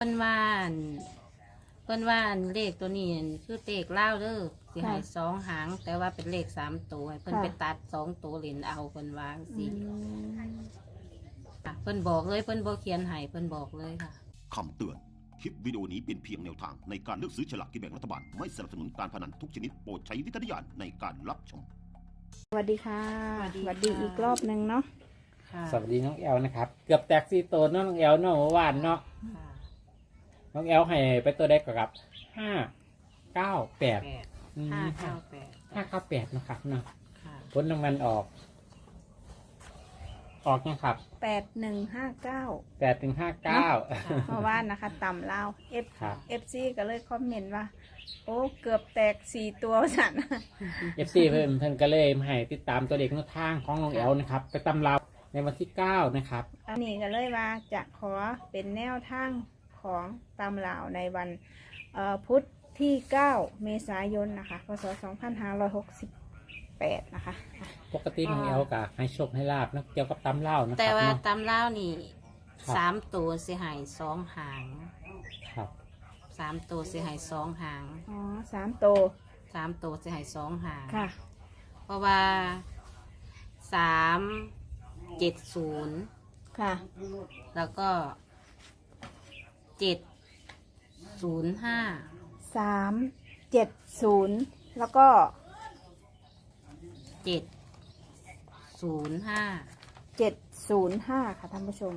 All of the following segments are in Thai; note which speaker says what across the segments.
Speaker 1: เพิ่นว่าเลขตัวนี้คือเลขเล่าวเด้อสิให้2 หางแต่ว่าเป็นเลข3 ตัวให้เพิ่นไปตัด2 ตัวเหรียญเอาเพิ่นวางสิเพิ่นบอกเลยเพิ่นบ่เขียนให้เพิ่นบอกเลยค่ะ
Speaker 2: คำเตือนคลิปวิดีโอนี้เป็นเพียงแนวทางในการเลือกซื้อฉลากกินแบ่งรัฐบาลไม่สนับสนุนการพนันทุกชนิดโปรดใช้วิจารณญาณในการรับชม
Speaker 3: สวัสดีค่ะสวัสดีอีกรอบหนึ่งเนาะ
Speaker 4: สวัสดีน้องแอลนะครับเกือบแตก4 ตัวน้องแอลเนาะเมื่อวานเนาะน้องแอลให้ไปตัวได้กับ598 598นะครับเนาะผลรางวัลออกนะครับ
Speaker 3: 8159
Speaker 4: 8159
Speaker 3: เมื่อวานนะคะต่ำลาวFC ก็เลยคอมเมนต์ว่าโอ้เกือบแตก4 ตัวสั่น
Speaker 4: FC เพิ่นก็เลยให้ติดตามตัวเลขแนวทางของน้องแอลนะครับไปตำราในวันที่9นะครับ
Speaker 3: อันนี้ก็เลยว่าจะขอเป็นแนวทางของตำลาวในวันพุธที่9 เมษายนนะคะพศ 2568นะคะ
Speaker 4: ปกติน้องแอลก็ให้โชคให้ลาบนะเกี่ยวกับตำลาวนะครับ
Speaker 1: แต่ว่าตำลาวนี่3 ตัวสิให้2 หาง
Speaker 4: ครับ
Speaker 1: 3 ตัวสิให้2 หาง
Speaker 3: อ๋อ3 ตัว
Speaker 1: 3 ตัวสิให้2 หาง
Speaker 3: ค่ะ
Speaker 1: เพราะว่า370
Speaker 3: ค่ะ
Speaker 1: แล้วก็705
Speaker 3: 370แล้วก็
Speaker 1: 705
Speaker 3: ค่ะท่านผู้ชม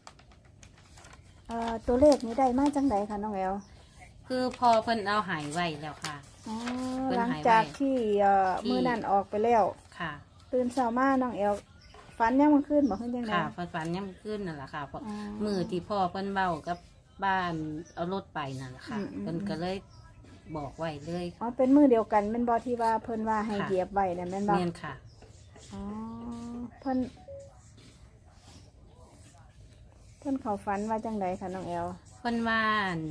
Speaker 3: ตัวเลขนี้ได้มาจังไดคะน้องแอล
Speaker 1: คือพอเพิ่นเอาหายไว้แล้วค่ะ
Speaker 3: หลังจากที่มือนั่นออกไปแล้ว
Speaker 1: ค่ะ
Speaker 3: ตื่นเช้ามาน้องแอลฝันยังมันขึ้นบอกขึ้นยังไง
Speaker 1: ค่ะฝันยังมันขึ้นนั่นแหละค่ะเพราะมือที่พ่อเพิ่นเบ้ากับบ้านเอารถไปนั่นแหละค่ะเพิ่นก็เลยบอกไว้เลย
Speaker 3: อ๋อเป็นมือเดียวกันเป็นบอที่ว่าเพิ่นว่าให้เหยียบไว้เนี่ยแม่นบอ
Speaker 1: เนียนค่ะ
Speaker 3: อ๋อเพิ่นเขาฝันว่าจังไดคะน้องแอล
Speaker 1: เพิ่นว่า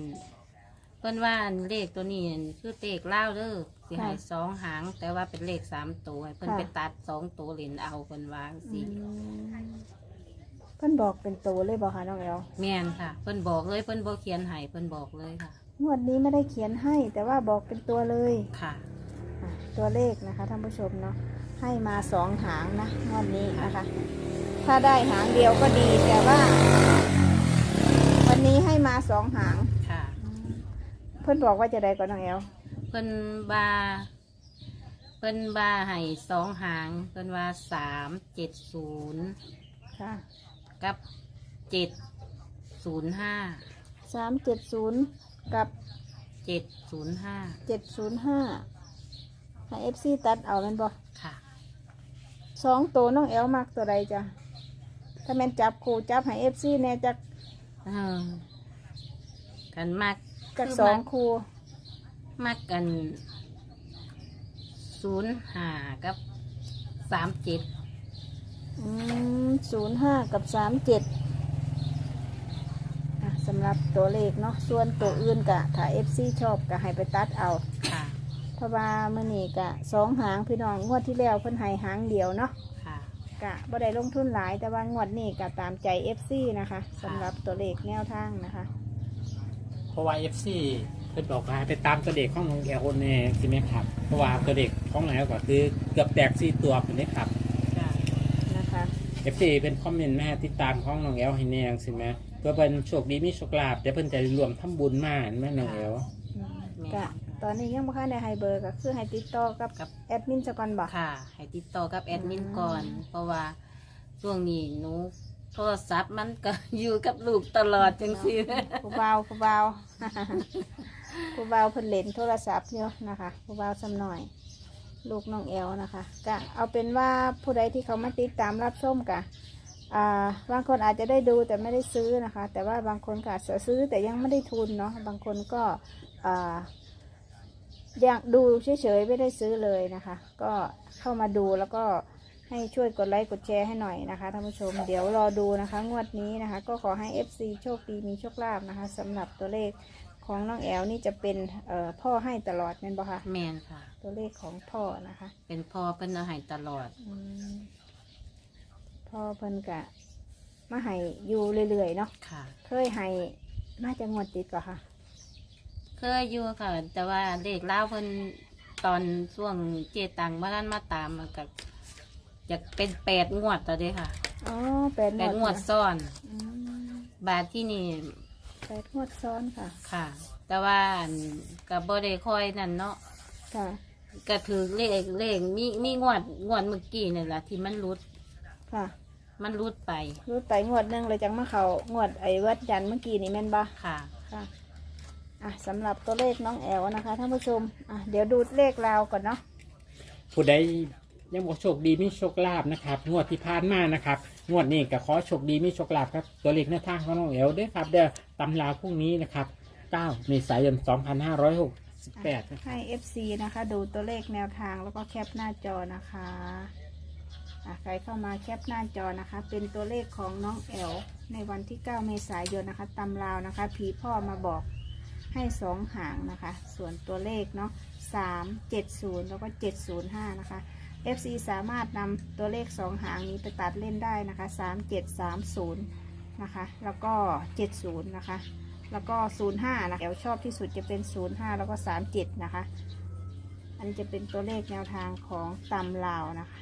Speaker 1: เลขตัวนี้คือเลขเล่าวเด้อสิให้2 หางแต่ว่าเป็นเลข3 ตัวให้เพิ่นไปตัด2 ตัวเหรียญเอาเพิ่นวางสิ
Speaker 3: เพิ่นบอกเป็นตัวเลยบอกค่ะน้องแอล
Speaker 1: แม่นค่ะเพิ่นบอกเลยเพิ่นบ่เขียนให้เพิ่นบอกเลยค่ะ
Speaker 3: งวดนี้ไม่ได้เขียนให้แต่ว่าบอกเป็นตัวเลย
Speaker 1: ค่ะ
Speaker 3: ตัวเลขนะคะท่านผู้ชมเนาะให้มา2 หางนะงวดนี้นะคะถ้าได้หางเดียวก็ดีแต่ว่าวันนี้ให้มา2 หาง
Speaker 1: ค่ะ
Speaker 3: เพิ่นบอกว่าจะได้ก่อนน้องแอล
Speaker 1: เพิ่นให้2 หางเพิ่นว่า370
Speaker 3: ค่ะ
Speaker 1: กับ705
Speaker 3: 370กับ705ให้ FC ตัดเอาแม่นบ่
Speaker 1: ค่ะ
Speaker 3: 2 ตัวน้องแอลมักตัวใดจ้ะถ้าแม่นจับคู่จับให้ FC แน่จัก
Speaker 1: กันมาก
Speaker 3: กับ2 คู่
Speaker 1: มักกัน05กับ37
Speaker 3: 05กับ37สำหรับตัวเลขเนาะส่วนตัวอื่นกะถ้า FC ชอบก็ให้ไปตัดเอา
Speaker 1: ค่ะ
Speaker 3: เพราะว่ามื้อนี้กะ2 หางพี่น้องงวดที่แล้วเพิ่นให้หางเดียวเนาะ
Speaker 1: ค่ะ
Speaker 3: กะบ่ได้ลงทุนหลายแต่ว่างวดนี้กะตามใจ FC นะคะสำหรับตัวเลขแนวทางนะคะ
Speaker 4: เพราะว่า FC เพิ่นบอกว่าไปตามตัวเด็กของน้องแอลเนี่ยใช่ไหมครับเพราะว่าตัวเด็กของน้องแอลก็คือเกือบแตก4 ตัวเป็นนี้ครับ
Speaker 3: นะคะ
Speaker 4: FC เป็นคอมเมนต์แม่ติดตามของน้องแอลให้แน่ใช่ไหมเพื่อเป็นโชคดีมีโชคลาภแต่เพิ่นจะรวมทำบุญมาแม่น้องแอล
Speaker 3: กะตอนนี้ยังบ่ค่อยได้ให้เบอร์ก็คือให้ติดต่อกับแอดมินซะก่อนบ่
Speaker 1: ค่ะให้ติดต่อกับแอดมินก่อนเพราะว่าช่วงนี้หนูโทรศัพท์มันก็อยู่กับลูกตลอดจังซี่
Speaker 3: ผู้เบาเพิ่นเล่นโทรศัพท์อยู่นะคะผู้เบาซ้ำหน่อยลูกน้องแอลนะคะก็เอาเป็นว่าผู้ใดที่เขามาติดตามรับชมกะบางคนอาจจะได้ดูแต่ไม่ได้ซื้อนะคะแต่ว่าบางคนก็อาจจะซื้อแต่ยังไม่ได้ทุนเนาะบางคนก็อยากดูเฉยๆไม่ได้ซื้อเลยนะคะก็เข้ามาดูแล้วก็ให้ช่วยกดไลค์กดแชร์ให้หน่อยนะคะท่านผู้ชมเดี๋ยวรอดูนะคะงวดนี้นะคะก็ขอให้ FC โชคดีมีโชคลาภนะคะสำหรับตัวเลขของน้องแอลนี่จะเป็นพ่อให้ตลอดแม่นบ่คะ
Speaker 1: แม่นค่ะ
Speaker 3: ตัวเลขของพ่อนะคะ
Speaker 1: เป็นพ่อเพิ่นเอาให้ตลอด
Speaker 3: พ่อเพิ่นกะมาให้อยู่เรื่อยๆเนาะ
Speaker 1: ค่ะ
Speaker 3: เคยให้น่าจะงวดติดก่อนค่ะ
Speaker 1: เคยอยู่ค่ะ แต่ว่าเลขเล่าวเพิ่นตอนช่วงเจตังมาท่านมาตามมันก็อยากเป็น8 งวดต่อเด้ค่ะ
Speaker 3: อ๋อ
Speaker 1: 8 งวดซ้อน
Speaker 3: อืม
Speaker 1: บาทที่นี่
Speaker 3: 8 งวดซ้อนค่ะ
Speaker 1: ค่ะ แต่ว่ากับบ่ได้ค่อยนั่นเนาะ
Speaker 3: ค่ะ
Speaker 1: ก็ถือเลขมีงวดเมื่อกี้นี่แหละที่มันรุด
Speaker 3: ค่ะ
Speaker 1: มันรุดไป
Speaker 3: รูดไปงวดหนึงเลยจังมาเขางวดไอ้วัดยันเมื่อกี้นี่แม่นบ่
Speaker 1: ค่ะ
Speaker 3: ค่ะสำหรับตัวเลขน้องแอลนะคะท่านผู้ชมเดี๋ยวดูเลขราวก่อนเนาะ
Speaker 4: ผู้ใดยังบอกโชคดีมีโชคลาภนะครับงวดที่ผ่านมานะครับงวดนี้ก็ขอโชคดีมีโชคลาภครับตัวเลขหน้าทางของน้องแอลด้วยครับเดี๋ยวตำราพรุ่งนี้นะครับ9 เมษายน 2568นะครับ
Speaker 3: ให้ FC นะคะดูตัวเลขแนวทางแล้วก็แคปหน้าจอนะคะใครเข้ามาแคปหน้าจอนะคะ เป็นตัวเลขของน้องแอลในวันที่ 9 เมษายนนะคะตำราวนะคะผีพ่อมาบอกให้2 หางนะคะ ส่วนตัวเลขเนาะ370แล้วก็705นะคะ FC สามารถนำตัวเลข2 หางนี้ไปตัดเล่นได้นะคะ3730นะคะแล้วก็70นะคะแล้วก็05นะคะแอลชอบที่สุดจะเป็น05แล้วก็37นะคะอันนี้จะเป็นตัวเลขแนวทางของตำลาวนะคะ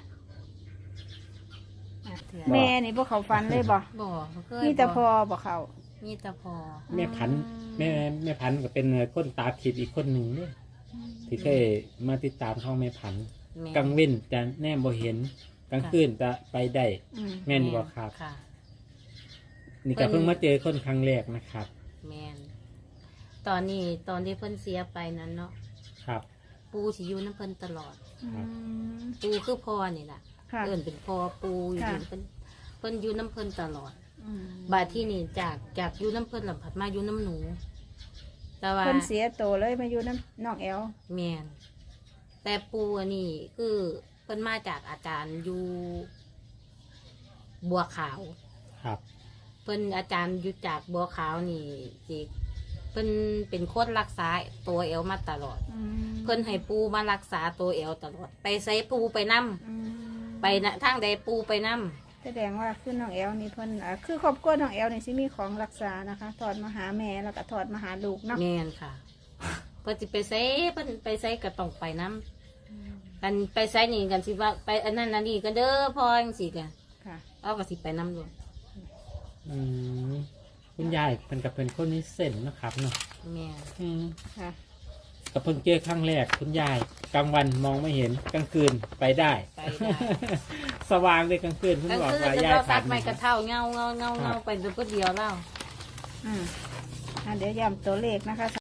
Speaker 3: แม่นี่พวกเขาฟันเลยบ่
Speaker 1: บ่เคย
Speaker 3: นี่แต่พอบ่เขา
Speaker 1: มีแต่พอ
Speaker 4: แม่พันธุ์แม่พันธุ์ก็เป็นคนตาทิพย์อีกคนหนึ่งเนี่ยที่เคยมาติดตามช่องแม่พันธุ์
Speaker 1: แม่
Speaker 4: กลางเว้นจะแน่บ่เห็นกลางคืนจะไปได้
Speaker 3: อืม
Speaker 4: แม่นบ่ครับ
Speaker 1: ค่ะ
Speaker 4: นี่ก็เพิ่งมาเจอคนครั้งแรกนะครับ
Speaker 1: แมนตอนที่เพิ่นเสียไปนั้นเนาะ
Speaker 4: ครับ
Speaker 1: ปูสิอยู่น้ำเพิ่นตลอด
Speaker 3: อืม
Speaker 1: ปูคือพ่อนี่แหละ
Speaker 3: ค่ะ
Speaker 1: เอิ้นเป็นพ่อปูอยู่
Speaker 3: ค่ะ
Speaker 1: เพิ่นอยู่น้ำเพิ่นตลอด
Speaker 3: อืม
Speaker 1: บาดที่นี่จากอยู่น้ำเพิ่นหลับผัดมาอยู่น้ำหนู แต่ว่า
Speaker 3: เพิ่นเสียโตเลยมาอยู่น้ำน้องแอล
Speaker 1: แมนแต่ปูอันนี้คือเพิ่นมาจากอาจารย์อยู่บัวขาว
Speaker 4: ครับ
Speaker 1: เพิ่นอาจารย์อยู่จากบัวขาวนี่สิเพิ่นเป็นคนรักษาตัวเอวมาตลอด
Speaker 3: อืม
Speaker 1: เพิ่นให้ปูมารักษาตัวเอวตลอด ไปใส่ปูไปนํ
Speaker 3: อืม
Speaker 1: ไปนะทางใดปูไปนํ
Speaker 3: แสดงว่าคือน้องแอลนี่เพิ่นคือครอบครัวน้องแอลนี่สิมีของรักษานะคะถอดมาหาแม่แล้วก็ถอดมาหาลูกเนาะ
Speaker 1: แม่นค่ะ เพิ่นสิไปใส่เพิ่นไปใส่ก็ต้องไปนํกันไปใส่นี่กันสิว่าไปอันนั้นอันนี้กันเด้อพ่อจังซี่กัน
Speaker 3: ค่ะ
Speaker 1: เอาก็สิไปนํด้วย
Speaker 4: อืมคุณยายเป็นกับเป็นคนนี้เส้นนะครับเนาะ
Speaker 1: แม่น
Speaker 4: อืม
Speaker 3: ค่ะ
Speaker 4: กับเพิ่งเจอครั้งแรกคุณยายกลางวันมองไม่เห็นกลางคืนไปได้
Speaker 1: ไปได้
Speaker 4: สว่างเลยกลางคืนคุณ
Speaker 1: กลาง
Speaker 4: บอก
Speaker 1: คืน
Speaker 4: ว่า
Speaker 1: จะ
Speaker 4: ยาย
Speaker 1: เรา
Speaker 4: ผ่า
Speaker 1: ตั
Speaker 4: น
Speaker 1: ดไม้กระเท่าเงาไปเพื่อเดียวแล้ว
Speaker 3: เดี๋ยวย้ำตัวเลขนะคะ